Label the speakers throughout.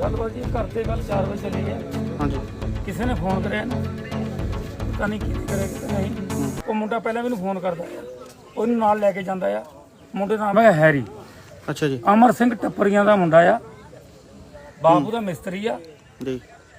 Speaker 1: ਗੱਲਬਾਤ ਜੀ ਘਰ ਤੇ ਕੱਲ 4 ਵਜੇ ਚਲੀ ਗਏ।
Speaker 2: ਹਾਂਜੀ
Speaker 1: ਕਿਸੇ ਨੇ ਫੋਨ ਕਰਿਆ ਨਾ, ਪਤਾ ਨਹੀਂ ਕੀ ਕਰਿਆ ਕਿ ਨਹੀਂ। ਉਹ ਮੁੰਡਾ ਪਹਿਲਾਂ ਮੈਨੂੰ ਫੋਨ ਕਰਦਾ ਆ, ਉਹਨੂੰ ਨਾਲ ਲੈ ਕੇ ਜਾਂਦਾ ਆ। ਮੁੰਡੇ ਦਾ ਨਾਮ ਹੈ ਹੈਰੀ।
Speaker 2: ਅੱਛਾ ਜੀ।
Speaker 1: ਅਮਰ ਸਿੰਘ ਟੱਪਰੀਆਂ ਦਾ ਮੁੰਡਾ ਆ, ਬਾਬੂ ਦਾ ਮਿਸਤਰੀ ਆ
Speaker 2: ਜੀ।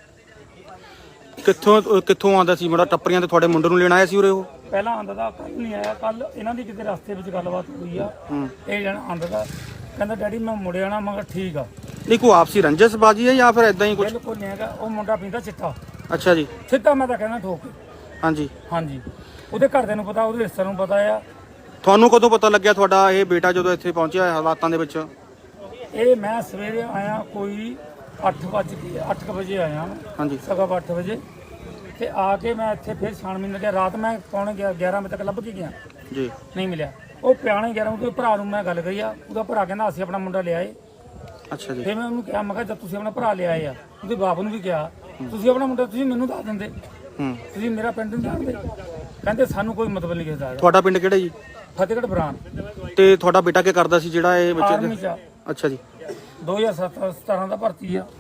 Speaker 2: ਕਿੱਥੋਂ ਆਉਂਦਾ ਸੀ ਮੁੰਡਾ? ਟੱਪਰੀਆਂ ਤੇ ਤੁਹਾਡੇ ਮੁੰਡੇ ਨੂੰ ਲੈਣ ਆਇਆ ਸੀ ਉਰੇ ਉਹ?
Speaker 1: ਪਹਿਲਾਂ ਆਂਦਾ ਦਾ, ਕੱਲ ਨਹੀਂ ਆਇਆ। ਕੱਲ ਇਹਨਾਂ ਦੀ ਕਿਤੇ ਰਸਤੇ ਵਿੱਚ ਗੱਲਬਾਤ ਹੋਈ ਆ। ਇਹ ਜਣ ਆਂਦਾ ਦਾ, ਕਹਿੰਦਾ ਡੈਡੀ ਮੈਂ ਮੁੜਿਆ ਨਾ। ਮੈਂ ਕਿਹਾ ਠੀਕ ਆ।
Speaker 2: ਨਹੀਂ ਕੋਈ ਆਪਸੀ ਰੰਜਸਬਾਜੀ ਹੈ ਜਾਂ ਫਿਰ ਇਦਾਂ ਹੀ ਕੁਝ?
Speaker 1: ਬਿਲਕੁਲ ਨਹੀਂ ਹੈਗਾ। ਉਹ ਮੁੰਡਾ ਪੀਂਦਾ ਚਿੱਟਾ।
Speaker 2: ਅੱਛਾ ਜੀ।
Speaker 1: ਸਿੱਧਾ ਮੈਂ ਤਾਂ ਕਹਿੰਦਾ ਠੋਕ ਕੇ।
Speaker 2: ਹਾਂਜੀ
Speaker 1: ਹਾਂਜੀ, ਉਹਦੇ ਘਰਦਿਆਂ ਨੂੰ ਪਤਾ, ਉਹਦੇ ਰਿਸ਼ਤੇਦਾਰਾਂ ਨੂੰ ਪਤਾ ਆ।
Speaker 2: ਤੁਹਾਨੂੰ ਕਦੋਂ ਪਤਾ ਲੱਗਿਆ ਤੁਹਾਡਾ ਇਹ ਬੇਟਾ ਜਦੋਂ ਇੱਥੇ ਪਹੁੰਚਿਆ ਹਾਲਾਤਾਂ ਦੇ ਵਿੱਚ?
Speaker 1: ਇਹ ਮੈਂ ਸਵੇਰੇ ਆਇਆ, ਕੋਈ 8 ਵਜੇ ਆਇਆ।
Speaker 2: ਹਾਂਜੀ।
Speaker 1: ਸਵਾ 8 ਵਜੇ ਤੇ ਆ ਕੇ ਮੈਂ ਇੱਥੇ ਫਿਰ ਛਾਣਬੀਨ ਲੱਗਿਆ। ਰਾਤ ਮੈਂ ਪੌਣੇ 11 ਵਜੇ ਤੱਕ ਲੱਭ ਕੇ ਗਿਆ
Speaker 2: ਜੀ,
Speaker 1: ਨਹੀਂ ਮਿਲਿਆ। ਉਹ ਪਿਆਣੇ 11 ਵਜੇ ਭਰਾ ਨੂੰ ਮੈਂ ਗੱਲ ਕਰੀ ਆ। ਉਹਦਾ ਭਰਾ ਕਹਿੰਦਾ ਅਸੀਂ ਆਪਣਾ ਮੁੰਡਾ ਲਿਆਏ।
Speaker 2: ਅੱਛਾ ਜੀ।
Speaker 1: ਫਿਰ ਮੈਂ ਉਹਨੂੰ ਕਿਹਾ, ਮੈਂ ਕਿਹਾ ਜਦ ਤੁਸੀਂ ਆਪਣਾ ਭਰਾ ਲਿਆਏ ਆ, ਉਹਦੇ ਬਾਪ ਨੂੰ ਵੀ ਕਿਹਾ ਤੁਸੀਂ ਆਪਣਾ ਮੁੰਡਾ ਤੁਸੀਂ ਮੈਨੂੰ ਦੱਸ ਦਿੰਦੇ, ਤੁਸੀਂ ਮੇਰਾ ਪਿੰਡ ਨਹੀਂ ਜਾਣਦੇ। ਕਹਿੰਦੇ ਸਾਨੂੰ ਕੋਈ ਮਤਲਬ ਨਹੀਂ ਕਿਸੇ ਦਾ।
Speaker 2: ਤੁਹਾਡਾ ਪਿੰਡ ਕਿਹੜਾ ਜੀ?
Speaker 1: ਫਤਿਹਗੜ੍ਹ ਬਰਾਨ।
Speaker 2: ਤੇ ਤੁਹਾਡਾ ਬੇਟਾ ਕੀ ਕਰਦਾ ਸੀ ਜਿਹੜਾ ਇਹ
Speaker 1: ਆਰਮੀ
Speaker 2: ਬੱਚੇ?
Speaker 1: ਚ
Speaker 2: ਅੱਛਾ ਜੀ।
Speaker 1: 2017 ਦਾ ਭਰਤੀ ਆ।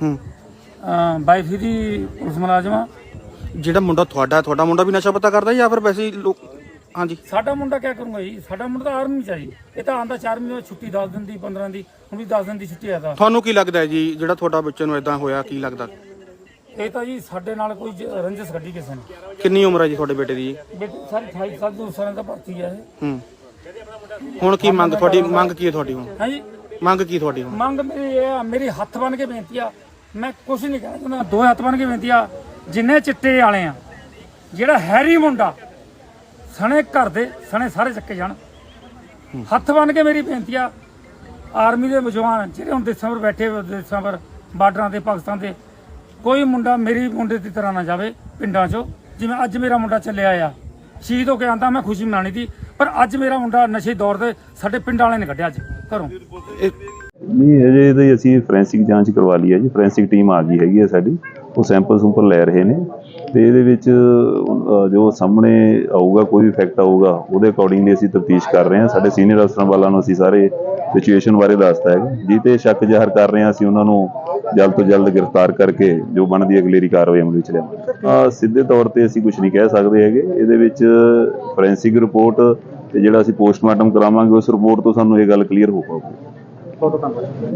Speaker 1: 22 ਦੀ ਪੁਲਿਸ ਮੁਲਾਜ਼ਮ ਆ।
Speaker 2: ਜਿਹੜਾ ਮੁੰਡਾ ਤੁਹਾਡਾ ਮੁੰਡਾ ਵੀ ਨਸ਼ਾ ਪਤਾ ਕਰਦਾ ਜਾਂ ਫਿਰ ਵੈਸੇ ਹੀ ਲੋਕ? ਹਾਂਜੀ।
Speaker 1: ਸਾਡਾ ਮੁੰਡਾ ਕੀ ਕਰੂੰਗਾ ਜੀ? ਸਾਡਾ ਮੁੰਡਾ ਤਾਂ ਆਰਮੀ ਚ ਆ ਜੀ। ਇਹ ਤਾਂ ਆਂਦਾ 4 ਮਹੀਨੇ ਛੁੱਟੀ 10 ਦਿਨ ਦੀ 15 ਦੀ, ਹੁਣ ਵੀ 10 ਦਿਨ ਦੀ ਛੁੱਟੀ ਆਦਾ।
Speaker 2: ਤੁਹਾਨੂੰ ਕੀ ਲੱਗਦਾ ਹੈ ਜੀ ਜਿਹੜਾ ਤੁਹਾਡਾ ਬੱਚੇ ਨੂੰ ਇਦਾਂ ਹੋਇਆ, ਕੀ ਲੱਗਦਾ?
Speaker 1: ਇਹ ਤਾਂ ਜੀ ਸਾਡੇ ਨਾਲ ਕੋਈ ਰੰਜਿਸ਼ ਕੱਢੀ ਕਿਸੇ ਨੇ।
Speaker 2: ਕਿੰਨੀ ਉਮਰ ਹੈ ਜੀ ਤੁਹਾਡੇ ਬੇਟੇ ਦੀ?
Speaker 1: ਬੇਟੇ ਸਾਰੀ 28 ਸਾਲ ਦੀ ਸਾਲਾਂ ਦਾ ਭਰਤੀ ਆ ਇਹ।
Speaker 2: ਹੁਣ ਕੀ ਮੰਗ ਤੁਹਾਡੀ? ਮੰਗ ਕੀ ਹੈ ਤੁਹਾਡੀ ਹੁਣ?
Speaker 1: ਹਾਂਜੀ,
Speaker 2: ਮੰਗ ਕੀ ਤੁਹਾਡੀ ਹੁਣ?
Speaker 1: ਮੰਗ ਮੇਰੀ ਇਹ ਆ, ਮੇਰੀ ਹੱਥ ਬੰਨ ਕੇ ਬੇਨਤੀ ਆ। ਮੈਂ ਕੁਝ ਨਹੀਂ ਕਹਿਣਾ ਚਾਹੁੰਦਾ, 2 ਹੱਥ ਬੰਨ ਕੇ ਬੇਨਤੀ ਆ। ਜਿੰਨੇ ਚਿੱਟੇ ਵਾਲੇ ਆ, ਜਿਹੜਾ ਹੈਰੀ ਮੁੰਡਾ ਸਣੇ ਘਰ ਦੇ ਸਣੇ ਸਾਰੇ ਚੱਕੇ ਜਾਣ। ਹੱਥ ਬੰਨ ਕੇ ਮੇਰੀ ਬੇਨਤੀ ਆ। ਆਰਮੀ ਦੇ ਜਵਾਨ ਜਿਹੜੇ ਹੁਣ ਦੇਸਾਂ ਪਰ ਬੈਠੇ, ਦੇਸਾਂ ਪਰ ਬਾਰਡਰਾਂ ਤੇ, ਪਾਕਿਸਤਾਨ ਦੇ, ਕੋਈ ਮੁੰਡਾ ਮੇਰੀ ਮੁੰਡੇ ਦੀ ਤਰ੍ਹਾਂ ਨਾ ਜਾਵੇ ਪਿੰਡਾਂ 'ਚੋਂ। ਜਿਵੇਂ ਅੱਜ ਮੇਰਾ ਮੁੰਡਾ ਚੱਲਿਆ ਆ, ਸ਼ਹੀਦ ਹੋ ਕੇ ਆਂਦਾ, ਮੈਂ ਖੁਸ਼ੀ ਮਨਾਣੀ ਸੀ, ਪਰ ਅੱਜ ਮੇਰਾ ਮੁੰਡਾ ਨਸ਼ੇ ਦੌਰ ਤੇ ਸਾਡੇ ਪਿੰਡ ਵਾਲਿਆਂ ਨੇ ਕੱਢਿਆ ਅੱਜ ਘਰੋਂ।
Speaker 3: ਨਹੀਂ ਅਜੇ ਤਾਂ ਅਸੀਂ ਫੋਰੈਂਸਿਕ ਜਾਂਚ ਕਰਵਾ ਲਈ ਹੈ ਜੀ। ਫੋਰੈਂਸਿਕ ਟੀਮ ਆ ਗਈ ਹੈਗੀ ਹੈ ਸਾਡੀ, ਉਹ ਸੈਂਪਲ ਲੈ ਰਹੇ ਨੇ ਤੇ ਇਹਦੇ ਵਿੱਚ ਜੋ ਸਾਹਮਣੇ ਆਊਗਾ, ਕੋਈ ਵੀ ਫੈਕਟ ਆਊਗਾ, ਉਹਦੇ ਅਕੋਰਡਿੰਗਲੀ ਅਸੀਂ ਤਫਤੀਸ਼ ਕਰ ਰਹੇ ਹਾਂ। ਸਾਡੇ ਸੀਨੀਅਰ ਅਫਸਰਾਂ ਵਾਲਾਂ ਨੂੰ ਅਸੀਂ ਸਾਰੇ ਸਿਚੁਏਸ਼ਨ ਬਾਰੇ ਦੱਸਤਾ ਹੈ। ਜੀ ਤੇ ਸ਼ੱਕ ਜ਼ਾਹਰ ਕਰ ਰਹੇ ਹਾਂ, ਅਸੀਂ ਉਹਨਾਂ ਨੂੰ ਜਲਦ ਤੋਂ ਜਲਦ ਗ੍ਰਿਫਤਾਰ ਕਰਕੇ ਜੋ ਬਣਦੀ ਅਗਲੇਰੀ ਕਾਰਵਾਈ ਅਮਲ ਵਿੱਚ ਲਿਆਵਾਂਗੇ। ਸਿੱਧੇ ਤੌਰ ਤੇ ਅਸੀਂ ਕੁਝ ਨਹੀਂ ਕਹਿ ਸਕਦੇ ਹੈਗੇ। ਇਹਦੇ ਵਿੱਚ ਫੋਰੈਂਸਿਕ ਰਿਪੋਰਟ ਤੇ ਜਿਹੜਾ ਅਸੀਂ ਪੋਸਟਮਾਰਟਮ ਕਰਾਵਾਂਗੇ, ਉਸ ਰਿਪੋਰਟ ਤੋਂ ਸਾਨੂੰ ਇਹ ਗੱਲ ਕਲੀਅਰ ਹੋ ਪਾਊਗੀ।